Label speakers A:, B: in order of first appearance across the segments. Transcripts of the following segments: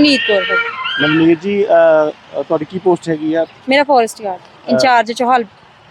A: ਨਵਨੀਤ ਕੌਰ ਭਾਜੀ।
B: ਨਵਨੀਤ ਜੀ ਤੁਹਾਡੀ ਕੀ ਪੋਸਟ ਹੈਗੀ ਆ?
A: ਮੇਰਾ ਫੋਰੈਸਟ ਗਾਰਡ ਇੰਚਾਰਜ ਚੋਹਾਲ।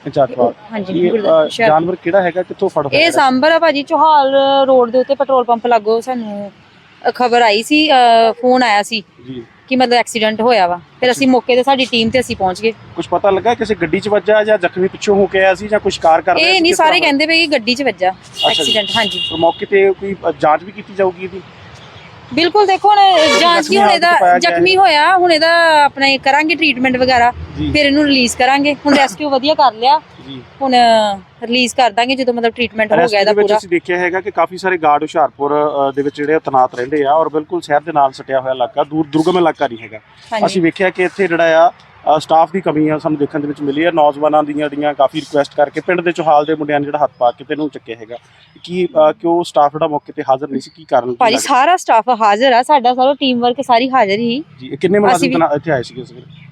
B: ਹਾਂਜੀ, ਜਾਨਵਰ ਕਿਹੜਾ ਹੈਗਾ, ਕਿੱਥੋਂ ਫੜ ਹੋਇਆ?
A: ਇਹ ਸਾਂਬਰ ਆ ਭਾਜੀ, ਚੋਹਾਲ ਰੋਡ ਦੇ ਉੱਤੇ ਪੈਟਰੋਲ ਪੰਪ ਲਾਗੋ ਸਾਨੂੰ ਖਬਰ ਆਈ ਸੀ, ਫੋਨ ਆਇਆ ਸੀ
B: ਜੀ
A: ਕਿ ਮਤਲਬ ਐਕਸੀਡੈਂਟ ਹੋਇਆ ਵਾ। ਫਿਰ ਅਸੀਂ ਮੌਕੇ ਤੇ ਸਾਡੀ ਟੀਮ ਤੇ ਅਸੀਂ ਪਹੁੰਚ ਗਏ।
B: ਕੁਝ ਪਤਾ ਲੱਗਾ ਕਿਸੇ ਗੱਡੀ 'ਚ ਵੱਜਾ ਜਾਂ ਜ਼ਖਮੀ ਪਿੱਛੋਂ ਹੋ ਕੇ ਆਇਆ ਸੀ ਜਾਂ ਕੁਝ ਕਾਰ ਕਰ ਰਿਹਾ ਸੀ?
A: ਇਹ ਨਹੀਂ, ਸਾਰੇ ਕਹਿੰਦੇ ਪਏ ਕਿ ਗੱਡੀ 'ਚ ਵੱਜਾ ਐਕਸੀਡੈਂਟ। ਹਾਂਜੀ,
B: ਮੌਕੇ ਤੇ ਕੋਈ ਜਾਂਚ ਵੀ ਕੀਤੀ ਜਾਊਗੀ ਇਹਦੀ?
A: ਬਿਲਕੁਲ। ਦੇਖੋ ਹੁਣ ਜਾਂਚ ਕੀ, ਹੁਣ ਇਹਦਾ ਜ਼ਖਮੀ ਹੋਇਆ, ਹੁਣ ਇਹਦਾ ਆਪਣਾ ਕਰਾਂਗੇ ਟ੍ਰੀਟਮੈਂਟ ਵਗੈਰਾ, ਫਿਰ ਇਹਨੂੰ ਰਿਲੀਜ਼ ਕਰਾਂਗੇ। ਹੁਣ ਰੈਸਕਿਊ ਵਧੀਆ ਕਰ ਲਿਆ, ਹੁਣ ਰਿਲੀਜ਼ ਕਰ ਦਾਂਗੇ ਜਦੋਂ ਮਤਲਬ ਟ੍ਰੀਟਮੈਂਟ ਹੋ ਗਿਆ ਇਹਦਾ ਪੂਰਾ।
B: ਅਸੀਂ ਦੇਖਿਆ ਹੈਗਾ ਕਿ ਕਾਫੀ ਸਾਰੇ ਗਾਰਡ ਹੁਸ਼ਿਆਰਪੁਰ ਦੇ ਵਿੱਚ ਜਿਹੜੇ ਤੈਨਾਤ ਰਹਿੰਦੇ ਆ ਔਰ ਬਿਲਕੁਲ ਸ਼ਹਿਰ ਦੇ ਨਾਲ ਸਟਿਆ ਹੋਇਆ ਇਲਾਕਾ, ਦੁਰਗਮ ਇਲਾਕਾ ਨਹੀਂ ਹੈਗਾ। ਅਸੀਂ ਵੇਖਿਆ ਕਿ ਇੱਥੇ ਜਿਹੜਾ ਆ ਸਟਾਫ ਦੀ ਕਮੀ ਆ ਸਾਨੂੰ ਦੇਖਣ ਦੇ ਵਿੱਚ ਮਿਲੀ ਹੈ। ਨੌਜਵਾਨਾਂ ਦੀਆਂ ਕਾਫੀ ਰਿਕੁਐਸਟ ਕਰਕੇ ਪਿੰਡ ਦੇ ਚੋਹਾਲ ਦੇ ਮੁੰਡਿਆਂ ਨੇ ਜਿਹੜਾ ਹੱਥ ਪਾ ਕੇ ਤੈਨੂੰ ਚੱਕਿਆ ਹੈਗਾ ਕਿ ਉਹ ਸਟਾਫ ਜਿਹੜਾ ਮੌਕੇ ਤੇ ਹਾਜ਼ਰ ਨਹੀਂ ਸੀ, ਕੀ ਕਾਰਨ?
A: ਭਾਜੀ ਸਾਰਾ ਸਟਾਫ ਹਾਜ਼ਰ ਆ, ਸਾਡਾ ਸਾਰਾ ਟੀਮ ਵਰਕ ਸਾਰੀ ਹਾਜ਼ਰ ਹੀ ਜੀ।
B: ਕਿੰਨੇ ਮੁਲਾਜ਼ਮ ਇੱਥੇ ਆਏ ਸੀਗੇ?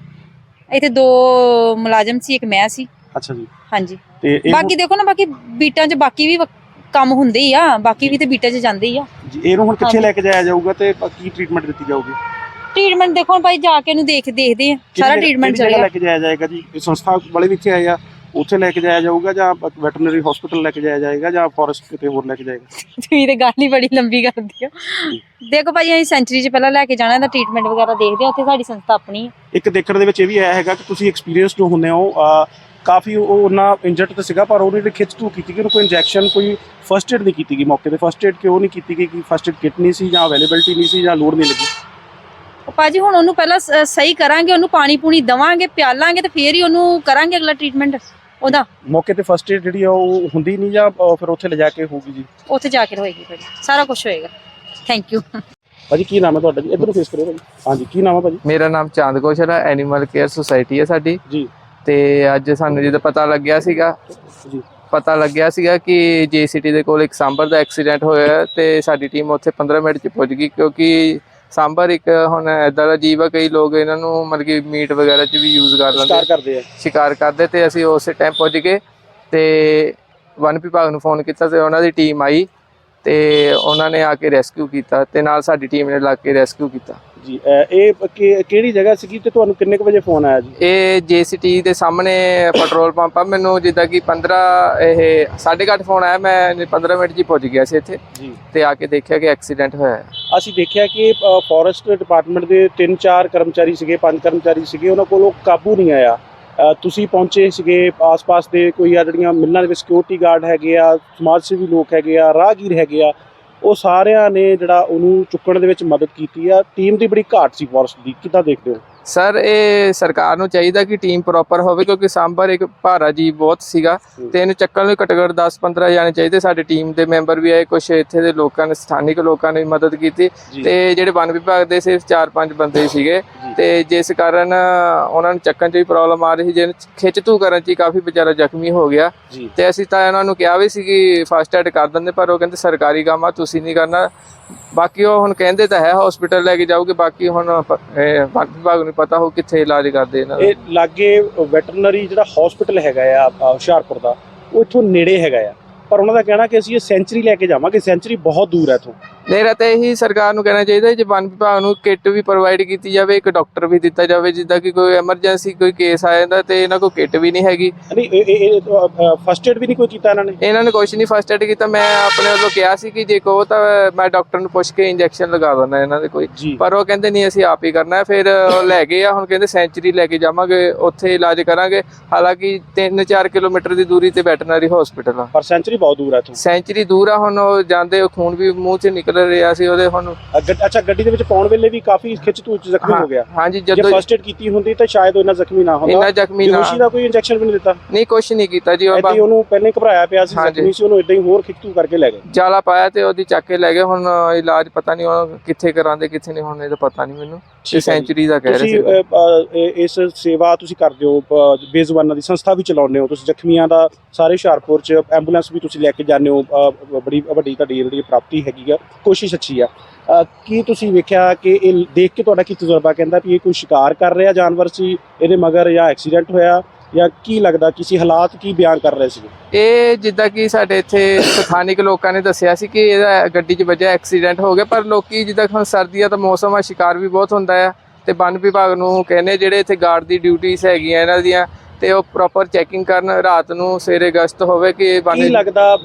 A: ਇੱਥੇ 2 ਮੁਲਾਜ਼ਮ ਸੀ, ਇੱਕ ਮੈਂ ਸੀ।
B: ਅੱਛਾ ਜੀ।
A: ਹਾਂਜੀ, ਤੇ ਬਾਕੀ ਦੇਖੋ ਨਾ, ਬਾਕੀ ਬੀਟਾਂ 'ਚ ਬਾਕੀ ਵੀ ਕੰਮ ਹੁੰਦੇ ਹੀ ਆ, ਬਾਕੀ ਵੀ ਤੇ ਬੀਟਾਂ 'ਚ ਜਾਂਦੇ ਹੀ ਆ
B: ਜੀ। ਇਹਨੂੰ ਹੁਣ ਕਿੱਥੇ ਲੈ ਕੇ ਜਾਇਆ ਜਾਊਗਾ ਤੇ ਕੀ ਟ੍ਰੀਟਮੈਂਟ ਦਿੱਤੀ ਜਾਊਗੀ?
A: ਟ੍ਰੀਟਮੈਂਟ ਦੇਖੋ ਭਾਈ ਜਾ ਕੇ ਇਹਨੂੰ ਦੇਖਦੇ ਆ, ਸਾਰਾ ਟ੍ਰੀਟਮੈਂਟ ਚੱਲੇਗਾ।
B: ਲੈ ਕੇ ਜਾਇਆ ਜਾਏਗਾ ਜੀ? ਇਹ ਸੰਸਥਾ ਵਾਲੇ ਵੀ ਇੱਥੇ ਆਏ ਆ, ਉੱਥੇ ਲੈ ਕੇ ਜਾਇਆ ਜਾਊਗਾ ਜਾਂ ਵੈਟਰਨਰੀ ਹਸਪੀਟਲ ਲੈ ਕੇ ਜਾਇਆ ਜਾਏਗਾ ਜਾਂ ਫੋਰੈਸਟ ਕਿਤੇ ਹੋਰ ਲੈ ਕੇ ਜਾਏਗਾ?
A: ਤੁਸੀਂ ਤੇ ਗੱਲ ਹੀ ਬੜੀ ਲੰਬੀ ਕਰਦੀ ਹੋ। ਦੇਖੋ ਭਾਈ ਅਸੀਂ ਸੈਂਚਰੀ 'ਚ ਪਹਿਲਾਂ ਲੈ ਕੇ ਜਾਣਾ, ਇਹਦਾ ਟ੍ਰੀਟਮੈਂਟ ਵਗੈਰਾ ਦੇਖਦੇ ਆ, ਉੱਥੇ ਸਾਡੀ ਸੰਸਥਾ ਆਪਣੀ ਹੈ। ਇੱਕ
B: ਦੇਖਣ ਦੇ ਵਿੱਚ ਇਹ ਵੀ ਆਇਆ ਹੈਗਾ ਕਿ ਤੁਸੀਂ ਐਕਸਪੀਰੀਅੰਸ ਜੋ ਹੁੰਦੇ ਹੋ, ਕਾਫੀ ਉਹ ਉਹਨਾਂ ਇੰਜਰਡ ਤਾਂ ਸੀਗਾ ਪਰ ਉਹਨੇ ਜਿਹੜੀ ਖਿੱਚ ਧੂ ਕੀਤੀ ਕਿ ਉਹਨੂੰ ਕੋਈ ਇੰਜੈਕਸ਼ਨ, ਕੋਈ ਫਸਟ ਏਡ ਨਹੀਂ ਕੀਤੀ ਗਈ ਮੌਕੇ ਤੇ। ਫਸਟ ਏਡ ਕਿਉਂ ਨਹੀਂ ਕੀਤੀ ਗਈ? ਕਿ ਫਸਟ ਏਡ ਕਿਟ ਨਹੀਂ ਸੀ ਜਾਂ ਅਵੇਲੇਬਿਲਟੀ ਨਹੀਂ ਸੀ ਜਾਂ ਲੋੜ ਨਹੀਂ ਲੱਗੀ?
A: ਭਾਜੀ ਹੁਣ ਉਹਨੂੰ ਪਹਿਲਾਂ ਸਹੀ ਕਰਾਂਗੇ, ਉਹਨੂੰ ਪਾਣੀ ਪੂਣੀ ਦੇਵਾਂਗੇ, ਪਿਆਲਾਂਗੇ ਤੇ ਫੇਰ ਹੀ ਉਹਨੂੰ ਕਰਾਂਗੇ ਅਗਲਾ ਟ੍ਰੀਟਮੈਂਟ ਉਹਦਾ।
B: ਮੌਕੇ ਤੇ ਫਸਟ ਏਡ ਜਿਹੜੀ ਆ ਉਹ ਹੁੰਦੀ ਨਹੀਂ ਜਾਂ ਫਿਰ ਉੱਥੇ ਲਿਜਾ ਕੇ ਹੋਊਗੀ ਜੀ?
A: ਉੱਥੇ ਜਾ ਕੇ ਹੋਏਗੀ ਭਾਜੀ, ਸਾਰਾ ਕੁਝ ਹੋਏਗਾ। ਥੈਂਕ ਯੂ
B: ਭਾਜੀ। ਕੀ ਨਾਮ ਹੈ ਤੁਹਾਡਾ ਜੀ? ਇੱਧਰ ਨੂੰ ਫੇਸ ਕਰਿਓ ਭਾਜੀ। ਹਾਂਜੀ, ਕੀ ਨਾਮ ਹੈ ਭਾਜੀ?
C: ਮੇਰਾ ਨਾਮ ਚਾਂਦ ਕੌਸ਼ਲ ਹੈ, ਐਨੀਮਲ ਕੇਅਰ ਸੁਸਾਇਟੀ ਹੈ ਸਾਡੀ
B: ਜੀ।
C: ਤੇ ਅੱਜ ਸਾਨੂੰ ਜਦੋਂ ਪਤਾ ਲੱਗਿਆ ਸੀਗਾ ਕਿ ਜੇਸੀਟੀ ਦੇ ਕੋਲ ਇੱਕ ਸਾਂਬਰ ਦਾ ਐਕਸੀਡੈਂਟ ਹੋਇਆ ਤੇ ਸਾਡੀ ਟੀਮ ਉੱਥੇ 15 ਮਿੰਟ 'ਚ ਪਹੁੰਚ ਗਈ, ਕਿਉਂਕਿ ਸਾਂਬਰ ਇੱਕ ਹੁਣ ਇੱਦਾਂ ਦਾ ਜੀਵ ਆ, ਕਈ ਲੋਕ ਇਹਨਾਂ ਨੂੰ ਮਤਲਬ ਕਿ ਮੀਟ ਵਗੈਰਾ 'ਚ ਵੀ ਯੂਜ਼ ਕਰ ਲੈਂਦੇ, ਸ਼ਿਕਾਰ ਕਰਦੇ। ਤੇ ਅਸੀਂ ਉਸੇ ਟਾਈਮ ਪਹੁੰਚ ਗਏ ਤੇ ਵਨ ਵਿਭਾਗ ਨੂੰ ਫੋਨ ਕੀਤਾ ਤੇ ਉਹਨਾਂ ਦੀ ਟੀਮ ਆਈ ਤੇ ਉਹਨਾਂ ਨੇ ਆ ਕੇ ਰੈਸਕਿਊ ਕੀਤਾ ਤੇ ਨਾਲ ਸਾਡੀ ਟੀਮ ਨੇ ਲੱਗ ਕੇ ਰੈਸਕਿਊ ਕੀਤਾ
B: ਜੀ। ਇਹ ਕਿਹੜੀ ਜਗ੍ਹਾ ਸੀਗੀ ਤੇ ਤੁਹਾਨੂੰ ਕਿੰਨੇ ਕੁ ਵਜੇ ਫੋਨ ਆਇਆ ਜੀ?
C: ਇਹ ਜੇਸੀਟੀ ਦੇ ਸਾਹਮਣੇ ਪੈਟਰੋਲ ਪੰਪ ਆ। ਮੈਨੂੰ ਜਿੱਦਾਂ ਕਿ 8:30 ਫੋਨ ਆਇਆ, ਮੈਂ 15 ਮਿੰਟ 'ਚ ਹੀ ਪਹੁੰਚ ਗਿਆ ਸੀ ਇੱਥੇ ਜੀ ਤੇ ਆ ਕੇ ਦੇਖਿਆ ਕਿ ਐਕਸੀਡੈਂਟ ਹੋਇਆ ਹੈ।
B: ਅਸੀਂ ਦੇਖਿਆ ਕਿ ਫੋਰੈਸਟ ਡਿਪਾਰਟਮੈਂਟ ਦੇ 3-4 ਕਰਮਚਾਰੀ ਸੀਗੇ, 5 ਕਰਮਚਾਰੀ ਸੀਗੇ, ਉਹਨਾਂ ਕੋਲੋਂ ਕਾਬੂ ਨਹੀਂ ਆਇਆ। ਤੁਸੀਂ ਪਹੁੰਚੇ ਸੀਗੇ, ਆਸ-ਪਾਸ ਦੇ ਕੋਈ ਆ ਜਿਹੜੀਆਂ ਮਿਲਣਾਂ ਦੇ ਵਿੱਚ ਸਿਕਿਉਰਿਟੀ ਗਾਰਡ ਹੈਗੇ ਆ, ਸਮਾਜ ਸੇਵੀ ਲੋਕ ਹੈਗੇ ਆ, ਰਾਹਗੀਰ ਹੈਗੇ ਆ, ਉਹ ਸਾਰਿਆਂ ਨੇ ਜਿਹੜਾ ਉਹਨੂੰ ਚੁੱਕਣ ਦੇ ਵਿੱਚ ਮਦਦ ਕੀਤੀ ਆ। ਟੀਮ ਦੀ ਬੜੀ ਘਾਟ ਸੀ ਫੋਰੈਸਟ ਦੀ, ਕਿੱਦਾਂ ਦੇਖਦੇ ਹੋ?
C: ਸਰ ਇਹ ਸਰਕਾਰ ਨੂੰ ਚਾਹੀਦਾ ਕਿ ਟੀਮ ਪ੍ਰੋਪਰ ਹੋਵੇ, ਕਿਉਂਕਿ ਸਾਂਬਰ ਇੱਕ ਭਾਰਾ ਜੀਵ ਬਹੁਤ ਸੀਗਾ ਤੇ ਇਹਨੂੰ ਚੱਕਣ ਲਈ ਘੱਟੋ ਘੱਟ 10-15 ਜਾਣੇ ਚਾਹੀਦੇ। ਸਾਡੀ ਟੀਮ ਦੇ ਮੈਂਬਰ ਵੀ ਆਏ, ਕੁਛ ਇੱਥੇ ਦੇ ਲੋਕਾਂ ਨੇ, ਸਥਾਨਿਕ ਲੋਕਾਂ ਨੇ ਮਦਦ ਕੀਤੀ ਤੇ ਜਿਹੜੇ ਵਨ ਵਿਭਾਗ ਦੇ ਸਿਰਫ 4-5 ਬੰਦੇ ਸੀਗੇ ਤੇ ਜਿਸ ਕਾਰਨ ਉਹਨਾਂ ਨੂੰ ਚੱਕਣ 'ਚ ਵੀ ਪ੍ਰੋਬਲਮ ਆ ਰਹੀ ਸੀ, ਜਿਹਨੂੰ ਖਿੱਚ ਧੂ ਕਰਨ 'ਚ ਹੀ ਕਾਫੀ ਵਿਚਾਰਾ ਜ਼ਖਮੀ ਹੋ ਗਿਆ ਤੇ ਅਸੀਂ ਤਾਂ ਉਹਨਾਂ ਨੂੰ ਕਿਹਾ ਵੀ ਸੀ ਕਿ ਫਸਟ ਐਡ ਕਰ ਦਿੰਦੇ, ਪਰ ਉਹ ਕਹਿੰਦੇ ਸਰਕਾਰੀ ਕੰਮ ਆ, ਤੁਸੀਂ ਨਹੀਂ ਕਰਨਾ। ਬਾਕੀ ਉਹ ਹੁਣ ਕਹਿੰਦੇ ਤਾਂ ਹੈ ਹਸਪੀਟਲ ਲੈ ਕੇ ਜਾਓਗੇ, ਬਾਕੀ ਹੁਣ ਵਨ ਵਿਭਾਗ ਨੂੰ ਪਤਾ ਹੋ ਕਿੱਥੇ ਇਲਾਜ ਕਰਦੇ ਇਹਨਾਂ ਦਾ।
B: ਇਹ ਲਾਗੇ ਵੈਟਰਨਰੀ ਜਿਹੜਾ ਹਸਪੀਟਲ ਹੈਗਾ ਆ ਹੁਸ਼ਿਆਰਪੁਰ ਦਾ, ਉਹ ਇੱਥੋਂ ਨੇੜੇ ਹੈਗਾ ਆ, ਪਰ ਉਹਨਾਂ ਦਾ ਕਹਿਣਾ ਕਿ ਅਸੀਂ ਇਹ ਸੈਂਚਰੀ ਲੈ ਕੇ ਜਾਵਾਂਗੇ, ਸੈਂਚਰੀ ਬਹੁਤ ਦੂਰ ਹੈ ਇੱਥੋਂ।
C: ਮੇਰਾ ਤਾਂ ਇਹੀ ਸਰਕਾਰ ਨੂੰ ਕਹਿਣਾ ਚਾਹੀਦਾ ਜੇ ਵਨ ਵਿਭਾਗ ਨੂੰ ਕਿੱਟ ਵੀ ਪ੍ਰੋਵਾਈਡ ਕੀਤੀ ਜਾਵੇ, ਇੱਕ ਡਾਕਟਰ ਵੀ ਦਿੱਤਾ ਜਾਵੇ, ਜਿੱਦਾਂ ਕਿ ਕੋਈ ਐਮਰਜੈਂਸੀ ਕੋਈ ਕੇਸ ਆ ਜਾਂਦਾ ਤੇ ਇਹਨਾਂ ਕੋਲ ਕਿੱਟ ਵੀ ਨਹੀਂ ਹੈਗੀ।
B: ਫਸਟ ਏਡ ਵੀ ਨਹੀਂ ਕੋਈ ਕੀਤਾ ਇਹਨਾਂ ਨੇ
C: ਕੁਛ ਨਹੀਂ ਫਸਟ ਏਡ ਕੀਤਾ। ਮੈਂ ਆਪਣੇ ਵੱਲੋਂ ਕਿਹਾ ਸੀ ਕਿ ਜੇ ਕਹੋ ਤਾਂ ਮੈਂ ਡਾਕਟਰ ਨੂੰ ਪੁੱਛ ਕੇ ਇੰਜੈਕਸ਼ਨ ਲਗਾ ਦਿੰਦਾ ਇਹਨਾਂ ਦੇ ਕੋਈ, ਪਰ ਉਹ ਕਹਿੰਦੇ ਨਹੀਂ ਅਸੀਂ ਆਪ ਹੀ ਕਰਨਾ। ਫਿਰ ਲੈ ਗਏ ਆ, ਹੁਣ ਕਹਿੰਦੇ ਸੈਂਚਰੀ ਲੈ ਕੇ ਜਾਵਾਂਗੇ, ਉੱਥੇ ਇਲਾਜ ਕਰਾਂਗੇ। ਹਾਲਾਂਕਿ 3-4 ਕਿਲੋਮੀਟਰ ਦੀ ਦੂਰੀ ਤੇ ਵੈਟਰਨਰੀ ਹਸਪੀਟਲ ਆ,
B: ਪਰ ਸੈਂਚਰੀ ਬਹੁਤ ਦੂਰ ਆ ਇੱਥੋਂ।
C: ਸੈਂਚਰੀ ਦੂਰ ਆ, ਹੁਣ ਉਹ ਜਾਂਦੇ ਖੂਨ ਵੀ ਮੂੰਹ 'ਚ ਨਿਕਲ ਰਿਹਾ ਸੀ ਉਹਦੇ। ਹੁਣ
B: ਅੱਛਾ, ਗੱਡੀ ਦੇ ਵਿੱਚ ਪਾਉਣ ਵੇਲੇ ਵੀ ਕਾਫੀ ਖਿੱਚ ਧੂ ਚ ਜ਼ਖਮੀ ਹੋ ਗਿਆ।
C: ਹਾਂਜੀ,
B: ਜਦੋਂ ਫਸਟ ਏਡ ਕੀਤੀ ਹੁੰਦੀ ਤਾਂ ਸ਼ਾਇਦ ਇੰਨਾ ਜ਼ਖਮੀ ਨਾ ਹੁੰਦਾ। ਬੇਹੋਸ਼ੀ ਦਾ ਕੋਈ ਇੰਜੈਕਸ਼ਨ ਵੀ ਨਹੀਂ ਦਿੱਤਾ?
C: ਨਹੀਂ, ਕੁਛ ਨਹੀਂ ਕੀਤਾ ਜੀ।
B: ਉਹਨੂੰ ਪਹਿਲੇ ਘਬਰਾਇਆ ਪਿਆ ਸੀ, ਜ਼ਖਮੀ ਸੀ, ਉਹਨੂੰ ਇਦਾਂ ਹੀ ਹੋਰ ਖਿੱਚ ਧੂ ਕਰਕੇ ਲੈ ਗਏ,
C: ਜਾਲਾ ਪਾਇਆ ਤੇ ਉਹਦੀ ਚੱਕ ਕੇ ਲੈ ਗਏ। ਹੁਣ ਇਲਾਜ ਪਤਾ ਨਹੀਂ ਉਹ ਕਿੱਥੇ ਕਰਾਂਦੇ ਕਿੱਥੇ ਨਹੀਂ, ਹੁਣ ਇਹ ਤਾਂ ਪਤਾ ਨਹੀਂ ਮੈਨੂੰ। ਸੈਂਚਰੀ ਦਾ ਕਹਿ ਰਹੇ ਸੀ।
B: ਇਸ ਸੇਵਾ ਤੁਸੀਂ ਕਰਦੇ ਹੋ, ਬੇਜ਼ੁਬਾਨਾਂ ਦੀ ਸੰਸਥਾ ਵੀ ਚਲਾਉਂਦੇ ਹੋ ਤੁਸੀਂ, ਜ਼ਖਮੀਆਂ ਦਾ ਸਾਰੇ ਹੁਸ਼ਿਆਰਪੁਰ ਚ ਐਂਬੂਲੈਂਸ ਵੀ ਤੁਸੀਂ ਲੈ ਕੇ ਜਾਂਦੇ ਹੋ, ਬੜੀ ਵੱਡੀ ਤੁਹਾਡੀ ਜਿਹੜੀ ਪ੍ਰਾਪਤੀ ਹੈਗੀ ਆ, ਕੋਸ਼ਿਸ਼ ਅੱਛੀ ਆ। ਕੀ ਤੁਸੀਂ ਵੇਖਿਆ ਕਿ ਇਹ ਦੇਖ ਕੇ ਤੁਹਾਡਾ ਕੀ ਤਜਰਬਾ ਕਹਿੰਦਾ ਵੀ ਇਹ ਕੋਈ ਸ਼ਿਕਾਰ ਕਰ ਰਿਹਾ ਜਾਨਵਰ ਸੀ ਇਹਦੇ ਮਗਰ ਜਾਂ ਐਕਸੀਡੈਂਟ ਹੋਇਆ ਜਾਂ ਕੀ ਲੱਗਦਾ ਕਿਸੇ ਹਾਲਾਤ ਕੀ ਬਿਆਨ ਕਰ ਰਹੇ ਸੀ?
C: ਇਹ ਜਿੱਦਾਂ ਕਿ ਸਾਡੇ ਇੱਥੇ ਸਥਾਨਿਕ ਲੋਕਾਂ ਨੇ ਦੱਸਿਆ ਸੀ ਕਿ ਇਹਦਾ ਗੱਡੀ 'ਚ ਵੱਜਿਆ ਐਕਸੀਡੈਂਟ ਹੋ ਗਿਆ, ਪਰ ਲੋਕੀ ਜਿੱਦਾਂ ਹੁਣ ਸਰਦੀਆਂ ਦਾ ਮੌਸਮ ਆ, ਸ਼ਿਕਾਰ ਵੀ ਬਹੁਤ ਹੁੰਦਾ ਆ, ਤੇ ਵਨ ਵਿਭਾਗ ਨੂੰ ਕਹਿੰਦੇ ਜਿਹੜੇ ਇੱਥੇ ਗਾਰਡ ਦੀ ਡਿਊਟੀਆਂ ਹੈਗੀਆਂ ਇਹਨਾਂ ਦੀਆਂ, ਤੇ ਉਹ ਪ੍ਰੋਪਰ ਚੈਕਿੰਗ ਕਰਨ, ਰਾਤ ਨੂੰ ਸਵੇਰੇ ਗਸ਼ਤ ਹੋਵੇ ਕਿ
B: ਕੀ ਲੱਗਦਾ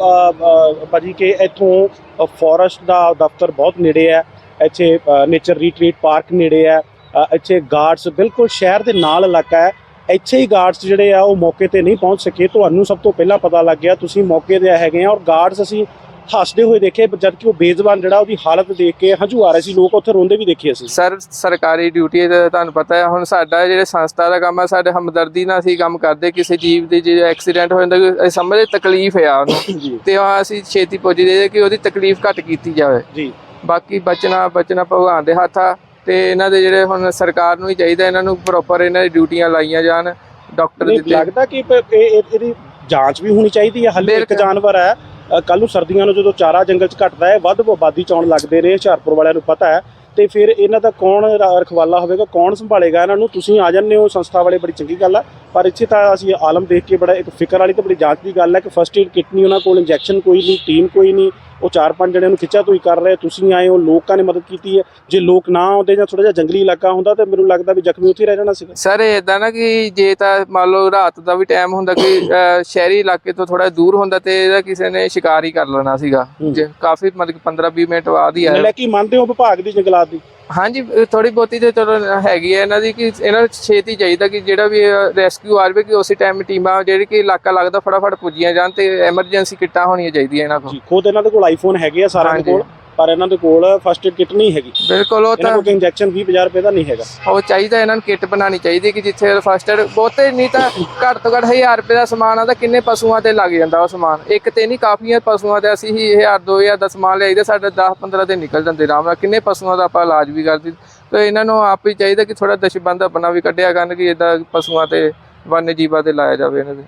B: ਭਾਜੀ ਕਿ ਇੱਥੋਂ ਫੋਰੈਸਟ ਦਾ ਦਫ਼ਤਰ ਬਹੁਤ ਨੇੜੇ ਹੈ, ਇੱਥੇ ਨੇਚਰ ਰੀਟਰੀਟ ਪਾਰਕ ਨੇੜੇ ਹੈ, ਇੱਥੇ ਗਾਰਡਸ ਬਿਲਕੁਲ ਸ਼ਹਿਰ ਦੇ ਨਾਲ ਇਲਾਕਾ ਹੈ, ਇੱਥੇ ਹੀ ਗਾਰਡਸ ਜਿਹੜੇ ਆ ਉਹ ਮੌਕੇ ਤੇ ਨਹੀਂ ਪਹੁੰਚ ਸਕੇ। ਤੁਹਾਨੂੰ ਸਭ ਤੋਂ ਪਹਿਲਾਂ ਪਤਾ ਲੱਗ ਗਿਆ, ਤੁਸੀਂ ਮੌਕੇ ਤੇ ਹੈਗੇ ਆ, ਔਰ ਗਾਰਡਸ ਅਸੀਂ ਹੱਸਦੇ ਹੋਏ ਦੇਖੇ, ਜਦ ਕਿ ਉਹ ਬੇਜ਼ਬਾਨ ਜਿਹੜਾ ਉਹਦੀ ਹਾਲਤ ਦੇਖ ਕੇ ਹੰਝੂ ਆ ਰਹੇ ਸੀ, ਲੋਕ ਉੱਥੇ ਰੋਂਦੇ ਵੀ ਦੇਖੇ ਅਸੀਂ।
C: ਸਰ ਸਰਕਾਰੀ ਡਿਊਟੀ ਦਾ ਤੁਹਾਨੂੰ ਪਤਾ ਹੈ, ਹੁਣ ਸਾਡਾ ਜਿਹੜੇ ਸੰਸਥਾ ਦਾ ਕੰਮ ਆ, ਸਾਡੇ ਹਮਦਰਦੀ ਨਾਲ ਅਸੀਂ ਕੰਮ ਕਰਦੇ, ਕਿਸੇ ਜੀਵ ਦੇ ਜੇ ਐਕਸੀਡੈਂਟ ਹੋ ਜਾਂਦਾ ਅਸੀਂ ਸਮਝਦੇ ਤਕਲੀਫ ਆ ਉਹਨੂੰ, ਤੇ ਅਸੀਂ ਛੇਤੀ ਪੁੱਜਦੇ ਕਿ ਉਹਦੀ ਤਕਲੀਫ ਘੱਟ ਕੀਤੀ ਜਾਵੇ ਜੀ। ਬਾਕੀ ਬਚਣਾ ਭਗਵਾਨ ਦੇ ਹੱਥ ਆ, ਤੇ ਇਹਨਾਂ ਦੇ ਜਿਹੜੇ ਹੁਣ ਸਰਕਾਰ ਨੂੰ ਹੀ ਚਾਹੀਦਾ ਇਹਨਾਂ ਨੂੰ ਪ੍ਰੋਪਰ ਇਹਨਾਂ ਦੀ ਡਿਊਟੀਆਂ ਲਾਈਆਂ ਜਾਣ, ਡਾਕਟਰ ਦਿੱਤੇ।
B: ਲੱਗਦਾ ਕਿ ਇਹਦੀ ਜਾਂਚ ਵੀ ਹੋਣੀ ਚਾਹੀਦੀ ਹੈ। ਹਲੇ ਇੱਕ ਜਾਨਵਰ ਹੈ, ਕੱਲ ਨੂੰ ਸਰਦੀਆਂ ਨੂੰ ਜਦੋਂ ਚਾਰਾ ਜੰਗਲ 'ਚ ਘਟਦਾ ਹੈ, ਵੱਧ ਆਬਾਦੀ 'ਚ ਆਉਣ ਲੱਗਦੇ ਨੇ, ਹੁਸ਼ਿਆਰਪੁਰ ਵਾਲਿਆਂ ਨੂੰ ਪਤਾ ਹੈ, ਤੇ ਫਿਰ ਇਹਨਾਂ ਦਾ ਕੌਣ ਰਖਵਾਲਾ ਹੋਵੇਗਾ, ਕੌਣ ਸੰਭਾਲੇਗਾ ਇਹਨਾਂ ਨੂੰ? ਤੁਸੀਂ ਆ ਜਾਂਦੇ ਹੋ ਸੰਸਥਾ ਵਾਲੇ, ਬੜੀ ਚੰਗੀ ਗੱਲ ਹੈ, ਪਰ ਇੱਥੇ ਤਾਂ ਅਸੀਂ ਆਲਮ ਦੇਖ ਕੇ ਬੜਾ ਇੱਕ ਫਿਕਰ ਵਾਲੀ ਤੇ ਬੜੀ ਜਾਂਚ ਦੀ ਗੱਲ ਹੈ ਕਿ ਫਸਟ ਏਡ ਕਿਟ ਨਹੀਂ ਉਹਨਾਂ ਕੋਲ, ਇੰਜੈਕਸ਼ਨ ਕੋਈ ਨਹੀਂ, ਟੀਮ ਕੋਈ ਨਹੀਂ, ਉਹ 4-5 ਜਣਿਆਂ ਨੂੰ ਖਿੱਚਾ ਤੋਈ ਕਰ ਰਹੇ, ਤੁਸੀਂ ਆਏ ਹੋ, ਲੋਕਾਂ ਨੇ ਮਦਦ ਕੀਤੀ ਹੈ। ਜੇ ਲੋਕ ਨਾ ਆਉਂਦੇ ਜਾਂ ਥੋੜਾ ਜਿਹਾ ਜੰਗਲੀ ਇਲਾਕਾ ਹੁੰਦਾ ਤਾਂ ਮੈਨੂੰ ਲੱਗਦਾ ਵੀ ਜ਼ਖਮੀ ਉੱਥੇ ਰਹਿ ਜਾਣਾ ਸੀਗਾ।
C: ਸਰ ਇੱਦਾਂ ਨਾ ਕਿ ਜੇ ਤਾਂ ਮੰਨ ਲਓ ਰਾਤ ਦਾ ਵੀ ਟਾਈਮ ਹੁੰਦਾ ਕਿ ਸ਼ਹਿਰੀ ਇਲਾਕੇ ਤੋਂ ਥੋੜਾ ਦੂਰ ਹੁੰਦਾ, ਤੇ ਇਹਦਾ ਕਿਸੇ ਨੇ ਸ਼ਿਕਾਰ ਹੀ ਕਰ ਲੈਣਾ ਸੀਗਾ। ਜੇ ਕਾਫੀ ਮਤਲਬ 15-20 ਮਿੰਟ ਬਾਅਦ ਹੀ ਆਇਆ।
B: ਕੀ ਮੰਨਦੇ ਹੋ ਵਿਭਾਗ ਦੀ ਜੰਗਲਾਤ ਦੀ?
C: ਹਾਂਜੀ ਥੋੜੀ ਬਹੁਤੀ ਤੇ ਚਲੋ ਹੈਗੀ ਹੈ ਇਹਨਾਂ ਦੀ, ਕਿ ਇਹਨਾਂ ਨੂੰ ਛੇਤੀ ਚਾਹੀਦਾ ਕਿ ਜਿਹੜਾ ਵੀ ਰੈਸਕਿਊ ਆਵੇ ਕਿ ਉਸੇ ਟਾਈਮ ਟੀਮਾਂ ਜਿਹੜੀ ਕਿ ਇਲਾਕਾ ਲੱਗਦਾ ਫਟਾਫਟ ਪੁੱਜੀਆਂ ਜਾਣ, ਤੇ ਐਮਰਜੈਂਸੀ ਕਿੱਟਾਂ ਹੋਣੀਆਂ ਚਾਹੀਦੀਆਂ ਇਹਨਾਂ ਕੋਲ।
B: ਖੁਦ ਇਹਨਾਂ ਦੇ ਕੋਲ ਆਈਫੋਨ ਹੈਗੇ ਆ ਸਾਰਿਆਂ ਦੇ ਕੋਲ, ਪਰ ਇਹਨਾਂ ਦੇ ਕੋਲ ਫਸਟ ਏਡ ਕਿਟ ਨਹੀਂ ਹੈਗੀ।
C: ਬਿਲਕੁਲ, ਉਹ ਤਾਂ
B: ਇੰਜੈਕਸ਼ਨ 20,000 ਰੁਪਏ ਦਾ ਨਹੀਂ ਹੈਗਾ।
C: ਉਹ ਚਾਹੀਦਾ ਇਹਨਾਂ ਨੂੰ ਕਿੱਟ ਬਣਾਉਣੀ ਚਾਹੀਦੀ ਕਿ ਜਿੱਥੇ ਫਸਟ ਏਡ ਬਹੁਤੇ ਨਹੀਂ ਤਾਂ ਘੱਟ ਤੋਂ ਘੱਟ 1000 ਰੁਪਏ ਦਾ ਸਮਾਨ ਆ ਤਾਂ ਕਿੰਨੇ ਪਸ਼ੂਆਂ ਤੇ ਲੱਗ ਜਾਂਦਾ ਉਹ ਸਮਾਨ, ਇੱਕ ਤੇ ਨਹੀਂ ਕਾਫੀਆਂ ਪਸ਼ੂਆਂ ਤੇ ਅਸੀਂ ਹੀ 1000-2000 ਦਾ ਸਮਾਨ ਲਿਆਈਦਾ, ਸਾਡੇ 10-15 ਦਿਨ ਨਿਕਲ ਜਾਂਦੇ ਆਰਾਮ ਨਾਲ, ਕਿੰਨੇ ਪਸ਼ੂਆਂ ਦਾ ਆਪਾਂ ਇਲਾਜ ਵੀ ਕਰਦੇ। ਤੇ ਇਹਨਾਂ ਨੂੰ ਆਪ ਹੀ ਚਾਹੀਦਾ ਕਿ ਥੋੜਾ ਦਸ਼ਬੰਦ ਆਪਣਾ ਵੀ ਕੱਢਿਆ ਕਰਨ ਕਿ ਇੱਦਾਂ ਪਸ਼ੂਆਂ ਤੇ ਵન્ય ਜੀਵਾਂ ਤੇ ਲਾਇਆ ਜਾਵੇ ਇਹਨਾਂ ਦੇ।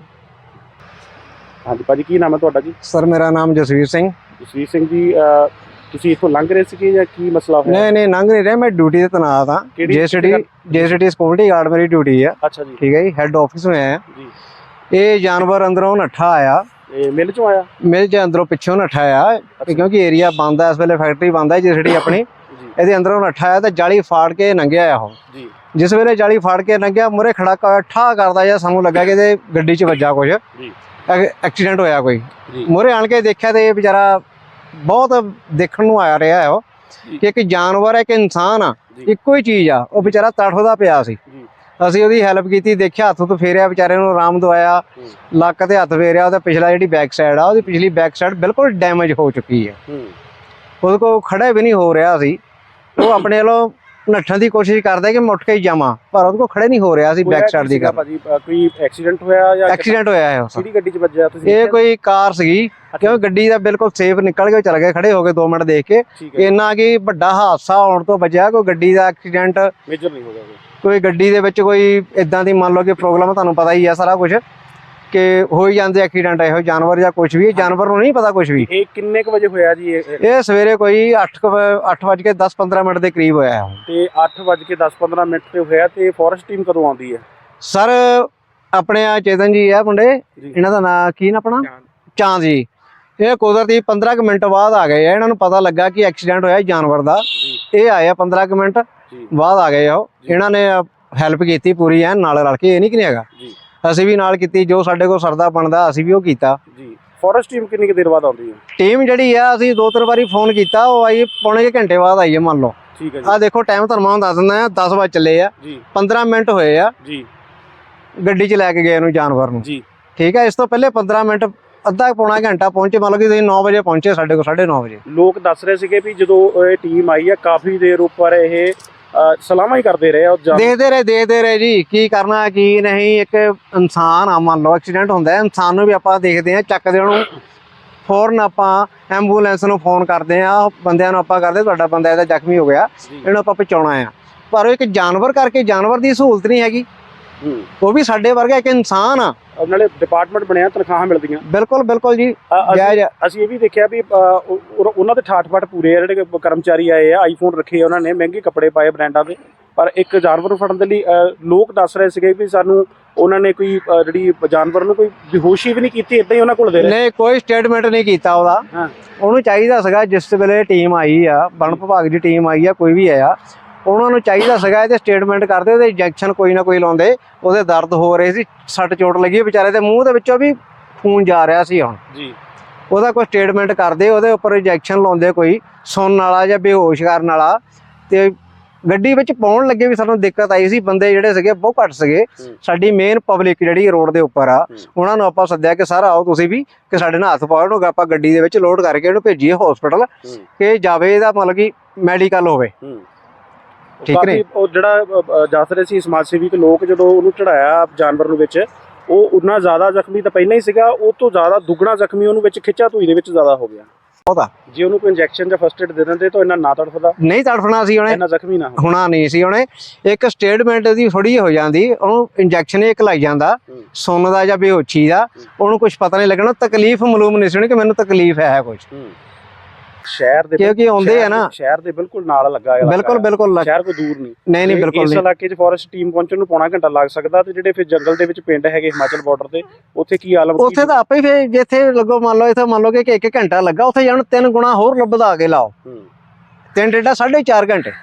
B: ਹਾਂਜੀ ਭਾਜੀ, ਕੀ ਨਾਮ ਹੈ ਤੁਹਾਡਾ ਜੀ?
D: ਸਰ ਮੇਰਾ ਨਾਮ ਜਸਵੀਰ ਸਿੰਘ।
B: ਜਸਵੀਰ ਸਿੰਘ ਜੀ, ਤੁਸੀਂ ਇੱਥੋਂ ਲੰਘ ਰਹੇ ਸੀਗੇ ਜਾਂ ਕੀ ਮਸਲਾ ਹੋਇਆ?
D: ਨਹੀਂ ਲੰਘ ਨਹੀਂ ਰਿਹਾ, ਮੈਂ ਡਿਊਟੀ ਤੇ ਤੈਨਾਤ ਹਾਂ। ਜੇਸੀਟੀ ਸਿਕਿਉਰਿਟੀ ਗਾਰਡ ਮੇਰੀ ਡਿਊਟੀ ਆ।
B: ਅੱਛਾ ਜੀ,
D: ਠੀਕ ਹੈ ਜੀ, ਹੈੱਡ ਆਫਿਸ में ਆਇਆ
B: ਜੀ।
D: ਇਹ ਜਾਨਵਰ ਅੰਦਰੋਂ ਨੱਠਾ ਆਇਆ,
B: ਮਿਲ ਚੋਂ ਆਇਆ?
D: ਮਿਲ ਚ ਅੰਦਰੋਂ ਪਿੱਛੋਂ ਨੱਠਾ ਆਇਆ, ਕਿਉਂਕਿ ਏਰੀਆ ਬੰਦ ਹੈ ਇਸ ਵੇਲੇ, ਫੈਕਟਰੀ ਬੰਦ ਹੈ ਜੇਸੀਟੀ ਆਪਣੀ। ਇਹਦੇ ਅੰਦਰੋਂ ਨੱਠਾ ਆਇਆ ਤੇ ਜਾਲੀ ਫਾੜ ਕੇ ਲੰਘਿਆ ਉਹ ਜੀ। ਜਿਸ ਵੇਲੇ ਜਾਲੀ ਫਾੜ ਕੇ ਲੰਘਿਆ, ਮੂਹਰੇ ਖੜਾਕਾ ਹੋਇਆ, ਠਾ ਕਰਦਾ ਜਾਂ ਸਾਨੂੰ ਲੱਗਾ ਕਿ ਇਹਦੇ ਗੱਡੀ 'ਚ ਵੱਜਾ ਕੁਝ, ਐਕਸੀਡੈਂਟ ਹੋਇਆ ਕੋਈ। ਮੂਹਰੇ ਆਣ ਕੇ ਦੇਖਿਆ ਤੇ ਇਹ ਵਿਚਾਰਾ ਬਹੁਤ ਦੇਖਣ ਨੂੰ ਆ ਰਿਹਾ ਹੈ ਉਹ ਕਿ ਇੱਕ ਜਾਨਵਰ ਹੈ, ਇੱਕ ਇਨਸਾਨ ਆ, ਇੱਕੋ ਹੀ ਚੀਜ਼ ਆ। ਉਹ ਵਿਚਾਰਾ ਤੜਫਦਾ ਪਿਆ ਸੀ, ਅਸੀਂ ਉਹਦੀ ਹੈਲਪ ਕੀਤੀ, ਦੇਖਿਆ ਹੱਥ ਤੋਂ ਫੇਰਿਆ, ਵਿਚਾਰੇ ਨੂੰ ਆਰਾਮ ਦਵਾਇਆ, ਲੱਕ ਤੇ ਹੱਥ ਫੇਰਿਆ। ਉਹਦਾ ਪਿਛਲਾ ਜਿਹੜੀ ਬੈਕ ਸਾਈਡ ਆ, ਉਹਦੀ ਪਿਛਲੀ ਬੈਕ ਸਾਈਡ ਬਿਲਕੁਲ ਡੈਮੇਜ ਹੋ ਚੁੱਕੀ ਹੈ, ਉਹਦੇ ਕੋਲ ਖੜਾ ਵੀ ਨਹੀਂ ਹੋ ਰਿਹਾ ਸੀ। ਉਹ ਆਪਣੇ ਵੱਲੋਂ ਨੱਠਣ ਦੀ ਕੋਸ਼ਿਸ਼ ਕਰਦਾ ਕਿ ਮੈਂ ਉੱਠ ਕੇ ਹੀ ਜਾਵਾਂ, ਪਰ ਉਹਦੇ ਕੋਲ ਖੜੇ ਨਹੀਂ ਹੋ ਰਿਹਾ ਸੀ। ਬੈਕ ਸਾਈਡ ਦੀ ਗੱਲ,
B: ਕੋਈ ਐਕਸੀਡੈਂਟ ਹੋਇਆ ਜਾਂ
D: ਐਕਸੀਡੈਂਟ ਹੋਇਆ ਹੈ?
B: ਕਿਹੜੀ ਗੱਡੀ 'ਚ ਵੱਜਿਆ ਤੁਸੀਂ?
D: ਇਹ ਕੋਈ ਕਾਰ ਸੀਗੀ, ਕਿਉਂਕਿ ਗੱਡੀ ਦਾ ਬਿਲਕੁਲ ਸੇਫ ਨਿਕਲ ਕੇ ਚਲ ਗਏ, ਖੜੇ ਹੋ ਗਏ 2 ਮਿੰਟ ਦੇਖ ਕੇ। ਇੰਨਾ ਕਿ ਵੱਡਾ ਹਾਦਸਾ ਹੋਣ ਤੋਂ ਬਚਿਆ, ਕੋਈ ਗੱਡੀ ਦਾ ਐਕਸੀਡੈਂਟ
B: ਮੇਜਰ ਨਹੀਂ ਹੋ ਗਿਆ।
D: ਕੋਈ ਗੱਡੀ ਦੇ ਵਿੱਚ ਕੋਈ ਇਦਾਂ ਦੀ ਮੰਨ ਲਓ ਕਿ ਪ੍ਰੋਬਲਮ, ਤੁਹਾਨੂੰ ਪਤਾ ਹੀ ਆ ਸਾਰਾ ਕੁਝ ਕਿ ਹੋ ਹੀ ਜਾਂਦੇ ਐਕਸੀਡੈਂਟ ਇਹੋ ਜਾਨਵਰ ਜਾਂ ਕੁਝ ਵੀ, ਜਾਨਵਰ ਨੂੰ ਨਹੀਂ ਪਤਾ ਕੁਝ ਵੀ।
B: ਇਹ ਕਿੰਨੇ ਕੁ ਵਜੇ ਹੋਇਆ ਜੀ?
D: ਇਹ ਸਵੇਰੇ ਕੋਈ 8:10-15 ਦੇ ਕਰੀਬ ਹੋਇਆ ਹੈ।
B: ਤੇ 8:10-15 ਤੇ ਹੋਇਆ, ਤੇ ਫੋਰੈਸਟ ਟੀਮ ਕਦੋਂ ਆਉਂਦੀ ਹੈ?
D: ਸਰ ਆਪਣੇ ਆ ਚੇਤਨ ਜੀ ਆ ਮੁੰਡੇ, ਇਹਨਾਂ ਦਾ ਨਾਂ ਕੀ ਨਾ ਆਪਣਾ ਚਾਂਦ ਜੀ, ਇਹ ਕੁਦਰਤੀ 15 ਮਿੰਟ ਬਾਅਦ ਆ ਗਏ ਆ। ਇਹਨਾਂ ਨੂੰ ਪਤਾ ਲੱਗਾ ਕਿ ਐਕਸੀਡੈਂਟ ਹੋਇਆ ਜਾਨਵਰ ਦਾ, ਇਹ ਆਏ ਆ 15 ਮਿੰਟ ਬਾਅਦ ਆ ਗਏ ਉਹ। ਇਹਨਾਂ ਨੇ ਹੈਲਪ ਕੀਤੀ ਪੂਰੀ ਐਨ ਨਾਲ ਰਲ ਕੇ, ਇਹ ਨਹੀਂ ਕਿ ਨਹੀਂ ਹੈਗਾ, ਅਸੀਂ ਵੀ ਨਾਲ ਕੀਤੀ, ਜੋ ਸਾਡੇ ਕੋਲ ਸਰਦਾ ਬਣਦਾ ਅਸੀਂ ਵੀ ਉਹ ਕੀਤਾ
B: ਜੀ। ਫੋਰੈਸਟ ਟੀਮ ਕਿੰਨੀ ਕੁ ਦੇਰ ਬਾਅਦ ਆਉਂਦੀ ਹੈ?
D: ਟੀਮ ਜਿਹੜੀ ਆ, ਅਸੀਂ 2-3 ਵਾਰੀ ਫੋਨ ਕੀਤਾ, ਉਹ ਆਈ ਪੌਣੇ ਘੰਟੇ ਬਾਅਦ ਆਈ ਹੈ ਮੰਨ ਲਓ।
B: ਠੀਕ ਹੈ ਜੀ।
D: ਆ ਦੇਖੋ ਟਾਈਮ ਤੁਹਾਨੂੰ ਦੱਸ ਦਿੰਦਾ, 10 ਵਜੇ ਚੱਲੇ ਆ ਜੀ, 15 ਮਿੰਟ ਹੋਏ ਆ ਜੀ ਗੱਡੀ 'ਚ ਲੈ ਕੇ ਗਏ ਇਹਨੂੰ ਜਾਨਵਰ ਨੂੰ ਜੀ। ਠੀਕ ਹੈ, ਇਸ ਤੋਂ ਪਹਿਲੇ 15 ਮਿੰਟ ਅੱਧਾ ਪੌਣਾ ਘੰਟਾ ਪਹੁੰਚੇ, ਮੰਨ ਲਓ ਕਿ ਤੁਸੀਂ 9 ਵਜੇ ਪਹੁੰਚੇ ਸਾਡੇ ਕੋਲ, 9:30 ਵਜੇ।
B: ਲੋਕ ਦੱਸ ਰਹੇ ਸੀਗੇ ਵੀ ਜਦੋਂ ਇਹ ਟੀਮ ਆਈ ਆ ਕਾਫੀ ਦੇਰ ਉੱਪਰ ਇਹ ਸਲਾਮਾਂ ਹੀ ਕਰਦੇ ਰਹੇ, ਦੇਖਦੇ ਰਹੇ ਜੀ, ਕੀ ਕਰਨਾ ਕੀ ਨਹੀਂ। ਇੱਕ ਇਨਸਾਨ ਆ, ਮੰਨ ਲਓ ਐਕਸੀਡੈਂਟ ਹੁੰਦਾ, ਇਨਸਾਨ ਨੂੰ ਵੀ ਆਪਾਂ ਦੇਖਦੇ ਹਾਂ, ਚੱਕਦੇ ਉਹਨੂੰ ਫੌਰਨ, ਆਪਾਂ ਐਂਬੂਲੈਂਸ ਨੂੰ ਫੋਨ ਕਰਦੇ ਆ, ਬੰਦਿਆਂ ਨੂੰ ਆਪਾਂ ਕਰਦੇ ਤੁਹਾਡਾ ਬੰਦਾ ਇਹਦਾ ਜ਼ਖਮੀ ਹੋ ਗਿਆ, ਇਹਨੂੰ ਆਪਾਂ ਪਹੁੰਚਾਉਣਾ ਆ। ਪਰ ਉਹ ਇੱਕ ਜਾਨਵਰ ਕਰਕੇ ਜਾਨਵਰ ਦੀ ਸਹੂਲਤ ਨਹੀਂ ਹੈਗੀ, ਉਹ ਵੀ ਸਾਡੇ ਵਰਗਾ ਇੱਕ ਇਨਸਾਨ ਆ। ਨਾਲੇ ਡਿਪਾਰਟਮੈਂਟ ਬਣਿਆ, ਤਨਖਾਹਾਂ ਮਿਲਦੀਆਂ।
D: ਬਿਲਕੁਲ ਜੀ।
B: ਅਸੀਂ ਇਹ ਵੀ ਦੇਖਿਆ ਵੀ ਉਹਨਾਂ ਦੇ ਠਾਠ-ਬਾਠ ਪੂਰੇ ਆ, ਜਿਹੜੇ ਕਰਮਚਾਰੀ ਆਏ ਆ, ਆਈਫੋਨ ਰੱਖੇ ਉਹਨਾਂ ਨੇ, ਮਹਿੰਗੇ ਕੱਪੜੇ ਪਾਏ ਬ੍ਰਾਂਡਾਂ ਦੇ, ਪਰ ਇੱਕ ਜਾਨਵਰ ਨੂੰ ਫੜਨ ਦੇ ਲਈ ਲੋਕ ਦੱਸ ਰਹੇ ਸੀਗੇ ਵੀ ਸਾਨੂੰ ਉਹਨਾਂ ਨੇ ਕੋਈ ਜਿਹੜੀ ਜਾਨਵਰ ਨੂੰ ਕੋਈ ਬੇਹੋਸ਼ੀ ਵੀ ਨਹੀਂ ਕੀਤੀ, ਇਦਾਂ ਹੀ ਉਹਨਾਂ ਕੋਲ ਦੇ ਰਹੇ।
D: ਨਹੀਂ, ਕੋਈ ਸਟੇਟਮੈਂਟ ਨਹੀਂ ਕੀਤਾ ਉਹਦਾ।
B: ਹਾਂ,
D: ਉਹਨੂੰ ਚਾਹੀਦਾ ਸੀਗਾ ਜਿਸ ਵੇਲੇ ਟੀਮ ਆਈ ਆ, ਵਣ ਵਿਭਾਗ ਦੀ ਟੀਮ ਆਈ ਆ, ਕੋਈ ਵੀ ਆਇਆ, ਉਹਨਾਂ ਨੂੰ ਚਾਹੀਦਾ ਸੀਗਾ ਇਹਦੇ ਸਟੇਟਮੈਂਟ ਕਰਦੇ, ਉਹਦੇ ਇੰਜੈਕਸ਼ਨ ਕੋਈ ਨਾ ਕੋਈ ਲਾਉਂਦੇ। ਉਹਦੇ ਦਰਦ ਹੋ ਰਹੇ ਸੀ, ਸੱਟ ਚੋਟ ਲੱਗੀ ਵਿਚਾਰੇ ਦੇ ਮੂੰਹ ਦੇ ਵਿੱਚੋਂ ਵੀ ਖੂਨ ਜਾ ਰਿਹਾ ਸੀ ਹੁਣ
B: ਜੀ।
D: ਉਹਦਾ ਕੋਈ ਸਟੇਟਮੈਂਟ ਕਰਦੇ, ਉਹਦੇ ਉੱਪਰ ਇੰਜੈਕਸ਼ਨ ਲਾਉਂਦੇ ਕੋਈ ਸੁਣਨ ਵਾਲਾ ਜਾਂ ਬੇਹੋਸ਼ ਕਰਨ ਵਾਲਾ। ਤੇ ਗੱਡੀ ਵਿੱਚ ਪਾਉਣ ਲੱਗੇ ਵੀ ਸਾਨੂੰ ਦਿੱਕਤ ਆਈ ਸੀ, ਬੰਦੇ ਜਿਹੜੇ ਸੀਗੇ ਬਹੁਤ ਘੱਟ ਸੀਗੇ। ਸਾਡੀ ਮੇਨ ਪਬਲਿਕ ਜਿਹੜੀ ਰੋਡ ਦੇ ਉੱਪਰ ਆ, ਉਹਨਾਂ ਨੂੰ ਆਪਾਂ ਸੱਦਿਆ ਕਿ ਸਰ ਆਓ ਤੁਸੀਂ ਵੀ, ਕਿ ਸਾਡੇ ਨਾਲ ਹੱਥ ਪਾਓ, ਇਹਨੂੰ ਆਪਾਂ ਗੱਡੀ ਦੇ ਵਿੱਚ ਲੋਡ ਕਰਕੇ ਇਹਨੂੰ ਭੇਜੀਏ ਹਸਪੀਟਲ, ਕਿ ਜਾਵੇ ਇਹਦਾ ਮਤਲਬ ਕਿ ਮੈਡੀਕਲ ਹੋਵੇ। ਠੀਕ ਨੇ।
B: ਉਹ ਜਿਹੜਾ ਦੱਸ ਰਹੇ ਸੀ ਸਮਾਜ ਸੇਵੀ ਲੋਕ, ਜਦੋਂ ਉਹਨੂੰ ਚੜਾਇਆ ਜਾਨਵਰ ਨੂੰ ਵਿੱਚ, ਉਹ ਉਨਾ ਜ਼ਿਆਦਾ ਜ਼ਖਮੀ ਤਾਂ ਪਹਿਲਾਂ ਹੀ ਸੀਗਾ, ਉਹ ਤੋਂ ਜ਼ਿਆਦਾ ਦੁੱਗਣਾ ਜ਼ਖਮੀ ਉਹਨੂੰ ਵਿੱਚ ਖਿੱਚਾ ਧੂਈ ਦੇ ਵਿੱਚ ਜ਼ਿਆਦਾ ਹੋ ਗਿਆ।
D: ਉਹਦਾ
B: ਜੇ ਉਹਨੂੰ ਕੋਈ ਇੰਜੈਕਸ਼ਨ ਜਾਂ ਫਸਟ ਏਡ ਦੇ ਦਿੰਦੇ ਤਾਂ ਇਹਨਾਂ ਨਾ ਤੜਫਦਾ,
D: ਨਹੀਂ ਤੜਫਣਾ ਸੀ ਉਹਨੇ,
B: ਇਹਨਾਂ ਜ਼ਖਮੀ ਨਾ
D: ਹੋਣਾ ਨਹੀਂ ਸੀ ਉਹਨੇ। ਇੱਕ ਸਟੇਟਮੈਂਟ ਦੀ ਥੋੜੀ ਹੋ ਜਾਂਦੀ, ਉਹਨੂੰ ਇੰਜੈਕਸ਼ਨ ਇੱਕ ਲਾਈ ਜਾਂਦਾ ਸੁੰਨ ਦਾ ਜਾਂ ਬੇਹੋਸ਼ੀ ਦਾ, ਉਹਨੂੰ ਕੁਝ ਪਤਾ ਨਹੀਂ ਲੱਗਣਾ, ਤਕਲੀਫ ਮਾਲੂਮ ਨਹੀਂ ਸੀ ਕਿ ਮੈਨੂੰ ਤਕਲੀਫ ਹੈ ਕੁਝ।
B: ਸ਼ਹਿਰ ਦੇ
D: ਕਿਉਂਕਿ ਆਉਂਦੇ ਆ ਨਾ,
B: ਸ਼ਹਿਰ ਦੇ ਬਿਲਕੁਲ ਨਾਲ ਲੱਗਾ ਹੈ,
D: ਬਿਲਕੁਲ
B: ਸ਼ਹਿਰ ਕੋਈ ਦੂਰ ਨਹੀਂ।
D: ਨਹੀਂ ਬਿਲਕੁਲ
B: ਇਸ
D: ਨਹੀਂ।
B: ਇਲਾਕੇ 'ਚ ਫੋਰੈਸਟ ਟੀਮ ਪਹੁੰਚਣ ਨੂੰ ਪੌਣਾ ਘੰਟਾ ਲੱਗ ਸਕਦਾ, ਤੇ ਜਿਹੜੇ ਫਿਰ ਜੰਗਲ ਦੇ ਵਿੱਚ ਪਿੰਡ ਹੈਗੇ ਹਿਮਾਚਲ ਬਾਰਡਰ ਤੇ, ਉੱਥੇ ਕੀ ਆਲਮ?
D: ਉੱਥੇ ਤਾਂ ਆਪੇ ਫਿਰ ਜਿੱਥੇ ਲੱਗੋ, ਮੰਨ ਲਓ ਇੱਥੇ ਮੰਨ ਲਓ ਕਿ 1 ਘੰਟਾ ਲੱਗਾ, ਉੱਥੇ ਜਾਣ 3 ਗੁਣਾ ਹੋਰ ਵਧਾ ਕੇ ਲਾਓ, 3 ਡੇਢਾ 4.5 ਘੰਟੇ।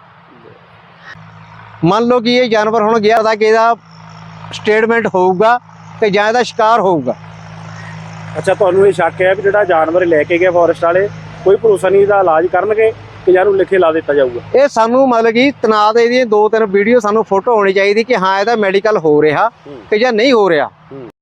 D: ਮੰਨ ਲਓ ਕਿ ਇਹ ਜਾਨਵਰ ਹੁਣ ਗਿਆ ਤਾਂ ਕਿ ਇਹਦਾ ਸਟੇਟਮੈਂਟ ਹੋਊਗਾ ਕਿ ਜਾਂ ਇਹਦਾ ਸ਼ਿਕਾਰ ਹੋਊਗਾ।
B: ਅੱਛਾ, ਤੁਹਾਨੂੰ ਇਹ ਸ਼ੱਕ ਹੈ ਵੀ ਜਿਹੜਾ ਜਾਨਵਰ ਲੈ ਕੇ ਗਿਆ ਫੋਰੈਸਟ ਵਾਲੇ, ਕੋਈ ਭਰੋਸਾ ਨਹੀਂ ਇਹਦਾ ਇਲਾਜ ਕਰਨਗੇ ਕਿ ਜਾਂ ਨੂੰ ਲਿਖੇ ਲਾ ਦਿੱਤਾ ਜਾਊਗਾ? ਇਹ
D: ਸਾਨੂੰ ਮਤਲਬ ਕਿ ਤਨਾਤ ਇਹਦੀਆਂ 2-3 ਵੀਡੀਓ, ਸਾਨੂੰ ਫੋਟੋ ਹੋਣੀ ਚਾਹੀਦੀ ਕਿ ਹਾਂ ਇਹਦਾ ਮੈਡੀਕਲ ਹੋ ਰਿਹਾ ਕਿ ਜਾਂ ਨਹੀਂ ਹੋ ਰਿਹਾ।